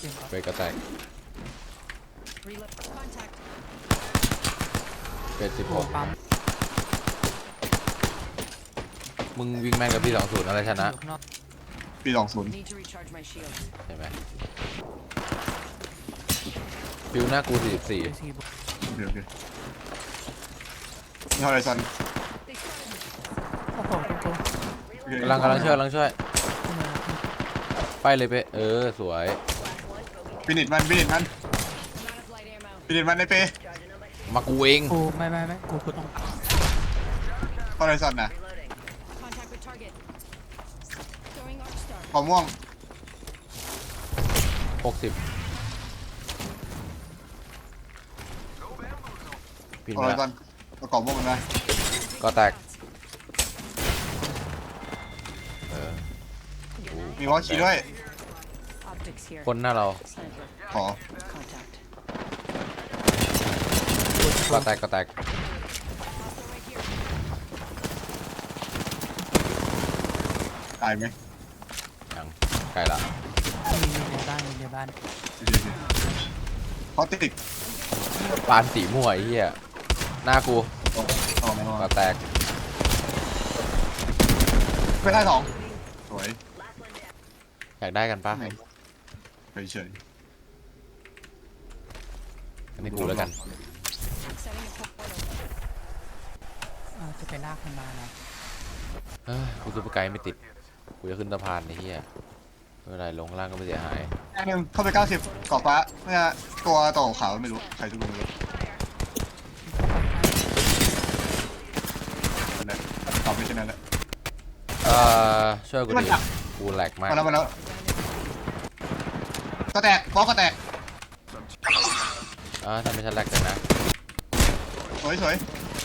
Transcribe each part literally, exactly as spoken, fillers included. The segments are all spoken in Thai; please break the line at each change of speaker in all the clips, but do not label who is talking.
ไปกระแตกเป็นสิบหกมึงวิ่งแม่งกับพี่สองศูนย์อะไรชนะ
ปีสองศูนย์
ใช่ไหมฟิวหน้ากูสี่สิบสี่
โอเคโอเคนี่ฮอริซอน
กำลังกำลังช่วยกำลังช่วยไปเลยไปเออสวย
ฟินิชมันฟินิชมันฟินิชมันในเป
มากูเอง
กูไม่ไม่ไม่กูกูต้อง
ฮอริซอนนะขอม่วง
หกสิบปิด
ฮอ
มา
ริซอนประกอบม่วงมันนะ
ก็แตกเออ
มีวอลชีด้วย
คนหน้าเรา
ขอ
ก็แตกก็แตก
ตายไหม
ยังใกล้ละ
มีในบ้านมีในบ้าน
เขาติด
ปานสีม่วไอ้เหี้ยหน้ากูก็แตก
ไม่ได้สองสวย
อยากได้กันปะ
ไปเฉย
อันนี้กูแล้วกัน
จะไปลากมันมานะ
เฮ้ยกูซูเปอร์ไกด์ไม่ติดกูจะขึ้นสะพานไอ้เหี้ยไม่เป็นไรลงล่างก็ไม่เสียหาย
อันหนึ่งเข้าไปเก้าสิบเกาะฟ้าเนี่ยตัวต่อขาวไม่รู้ใครจะรู้ไม่รู้นั่นตอบไม่ใช่นั่นแหละ
เอ่อช่วยกูดิกูแหลกมาก
มาแล้วมาแล้วก็แตกบล็อกก็แตก
อ่าทำให้ฉันแหลกกันนะ
สวยสวย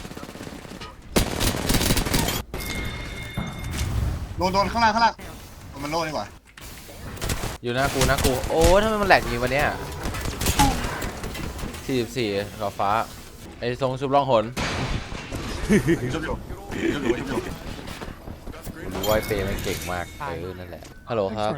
โดนโดนข้างล่างข้างล่างมันโล่ดีกว่า
อยู่หน้ากูหน้ากูโอ้ทำไมมันแหลกอย่างนี้วะเนี่ยสี่สิบสี่ขอบฟ้าไอ้ทรงชุบล่องหน
ชุบอยู่ชุบอยู่ชุบอยู่
รู้ว่าเปย์มันเก่งมากเออนั่นแหละฮัลโหลครับ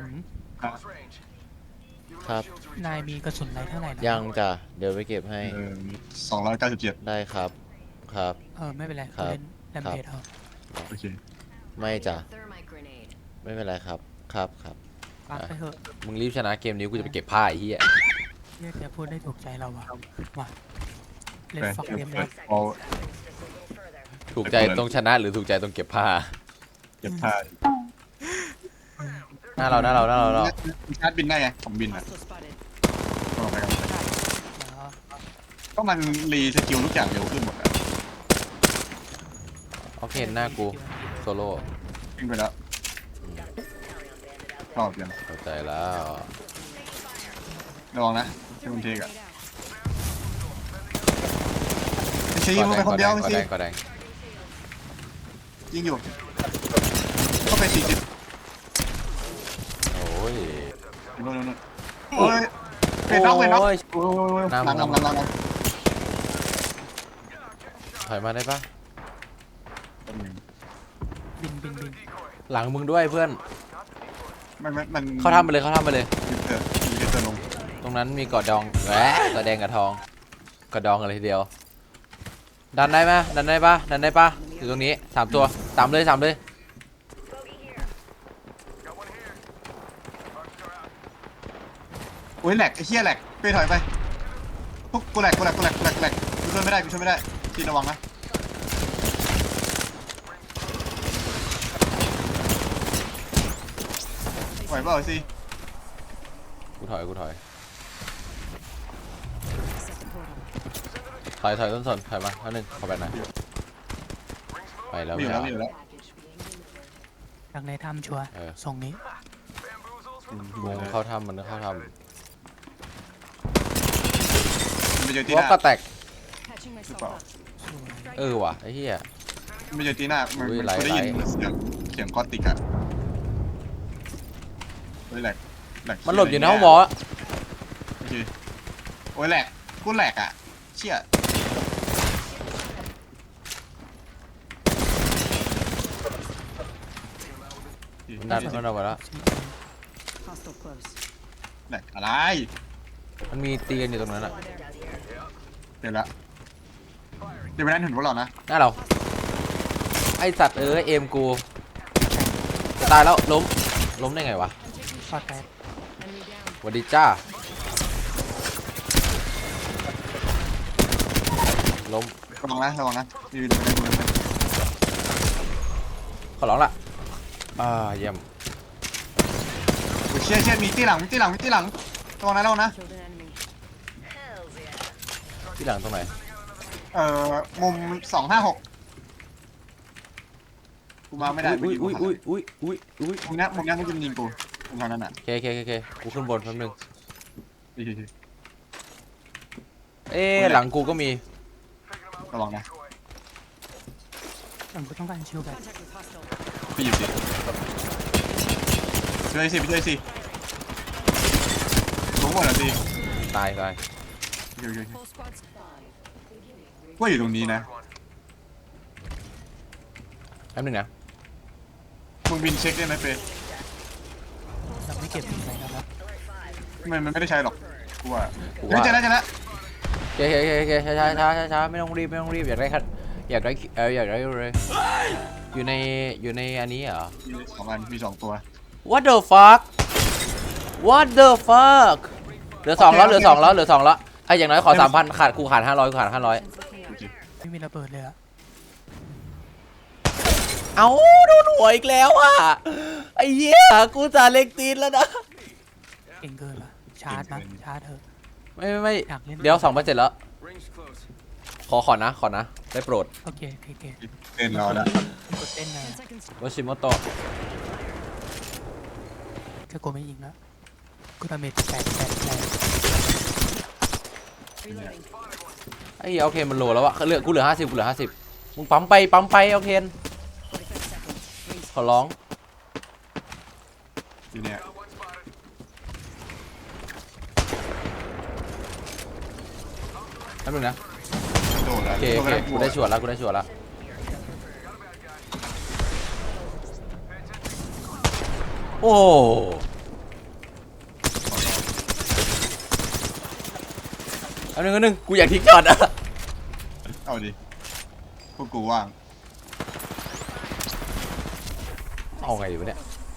ครับ
นายมีกระสุนอะไรเท่าไหร่
ยังจ้ะเดี๋ยวไปเก็บให้
สองร้อยเก้าสิบเจ็ด
ได้ครับครับ
เออไม่เป็นไร
ครับ
เล่นแลมเพจเอา
โอเค
ไม่จ้ะไม่เป็นไรครับครับครับ
ไปเถอะ
มึงรีบชนะเกมนี้กูจะไปเก็บผ้าไอ้เหี้ย
เนี่ยจะพูดได้ถูกใจเราว่ะมาเล่นฟักเกมเลย
ถูกใจตรงชนะหรือถูกใจตรงเก็บผ้า
เก็บผ้า
หน้าเราหน้าเราหน้าเราเรา
ชาร์จบินได้ไงผมบินอ่ะก็มันรีสกิลทุกอย่างเร็วขึ้นหมดอ่ะ
โอเคหน้ากูโซโล่
วิ่งไปแล้วรอบยัง
เข้าใจแล้ว
ระวังนะที่มันเทกอ่ะไม่ใช่ยิงลงไปคนเดียวไม่ใช่ยิงอยู่ก็ไปสี่สิบ
โอ้ย
โน่นโน่นโอ้ยเป็นน็อกเป็นน็อกน้ำน้ำน้ำน้ำ
ถอยมาได้ปะ
บินบินบิน
หลังมึงด้วยเพื่อน
มันมัน
เขาทำไปเลยเขาทำไปเลย
เออมีเจอลง
ตรงนั้นมีกอดดองแหวะกอดแดงกับทองกอดดองอะไรทีเดียวดันได้ไหมดันได้ปะดันได้ปะอยู่ตรงนี้สามตัวสามเลยสามเลย
โอ้ยแหลกไอ้เหี้ยแหลกไปถอยไปปุ๊บกูแหลกกูแหลกกูแหลกกูแหลกแหลกกูช่วยไม่ได้กูช่วยไม่ได้ทีระวังนะไหวเปล่าสิ
กูถอยกูถอยถอยถอยต้นสนถอยมาท่านึงขอไปหน่อยไปแล้ว
ไม่อยู่แล้วไม่อยู่แล้ว
จากในถ้ำชัวร์ส่งนี้
วงเข้าถ้ำมันเข้าถ้ำ
วอ
ล์กก็แตกเออว่ะไอ้เหี้ย
ไม่เจอตีหน้ามันได้ยินเสียงเสียงคอติกอะโอ้ยแหลกแหลก
มันหลบอยู่ในห้องวอล
โอเคโอ้ยแหลกกูแหลกอะเชี่ย
ดันมันออกมาแล้ว
แหลกอะไร
มันมีตีกันอยู่ตรงนั้นอะ
เดี๋ยวละเดี๋ยวไปนั่นเห็นพวกเรานะ
หน้าเราไอสัตว์เอ้ยเอมกูจะตายแล้วล้มล้มได้ไงวะ
ฟาดแตก
สวัสดีจ้าล้ม
ระวังนะระวังนะมีวิดีโอในมือไหม
ขอร้องละอ่าเยี่ยม
โอ้ยเชี่ยเชี่ยมีที่หลังมีที่หลังมีที่หลังระวังนะระวังนะ
ที่หลังตรงไหน
เอ่อมุมสองห้าหกกูมาไม่ได้
อุ้ยอุ้ยอุ้ยอุ้ยอุ้ยอุ้ย
มุมนี้มุมนี้มันจะยิงกูมุมทางนั้นอ่ะ
โอเคโอเคโอเคกูขึ้นบนแป๊บนึง
ดีดี
เอ๊ะหลังกูก็มี
ระวังนะ
ผมก็ต้องการชิลแบบ
พี่อยู่ดิช่วยสิพี่ช่วยสิลงหมดแล้วสิ
ตายตาย
โอเคโอเคว่าอยู่ตรงนี้นะ
แป๊บนึงนะ
มึงบินเช็คได้ไหมเฟย์
เราไม่เก็บอะไรกันแล้ว
มันมันไม่ได้ใช้หรอกกูว่า
กู
เฮ้ย
ว่า
เจอแล้วเจอแล้ว
โอเคโอเคโอเคช้าช้าช้าช้าช้าไม่ต้องรีบไม่ต้องรีบอยากได้คัดอยากได้เอออยากได้เลยอยู่ในอยู่ในอันนี้เหรอ
มีสองอันมีสองตัว
What the fuck What the fuck เหลือสองแล้วเหลือสองแล้วเหลือสองแล้วไอ้อย่างน้อยขอสามพันขาดกูขาดห้าร้อยกูขาดห้าร้อย
ไม่มีระเบิดเลยอะ
เอาโดนหัวอีกแล้วอ่ะไอ้เหี้ยกูจะเล็กตีนแล้วนะ
เก่งเกินละชาร์จนะชาร์จเถอะ
ไม่ไม่ไม่
อยากเล่น
เดี๋ยวสองพันเจ็ดแล้วขอขอนะขอนะได้โปรด
โอเคโอเคโอเค
เต้นรอแล้ว
มันกดเต้นไงอะ
วชิโมโตะ
ถ้ากูไม่ยิงแล้วกูดาเมจแปดแปดแปด
ไอ้เหี้ยโอเคมันโลแล้วอะเหลือกูเหลือห้าสิบกูเหลือห้าสิบมึงปั๊มไปปั๊มไปโอเคนขอร้อง
ทีเนี้ย
แป๊บนึงนะ
โดดแล้ว
โอเคโอเคกูได้ชัวร์แล้วกูได้ชัวร์แล้วโอ้อันนึงอันนึงกูอยากทิ้งก่อนอะ
เอาดิพวกกูว่าง
เอาไงอยู่เนี่ย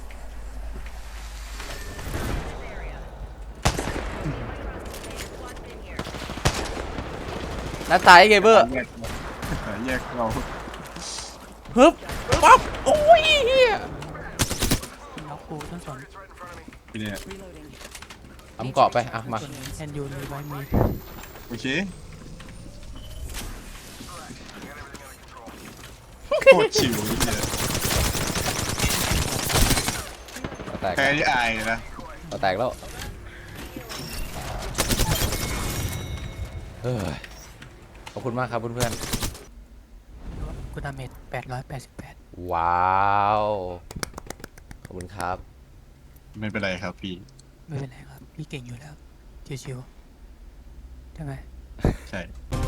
นัดตายไงเบอร์
แยกแยกเรา
ฮึบปั๊บโอ้ยเฮีย
ล็อกกูต้นสน
ทีเนี้ย
ทำเกาะไปอ่ะมา
ส่วนแอนยูมีไว้มี
โอเคโคตรชิวเลย
เราแตก
แพ้ที่อายนะ
เราแตกแล้วเฮ้ยขอบคุณมากครับเพื่อน
กูดาเมจแปดร้อยแปดสิบแปด
ๆว้าวขอบคุณครับ
ไม่เป็นไรครับพี่
ไม่เป็นไรครับพี่เก่งอยู่แล้วชิวๆใช่ไหม
ใช่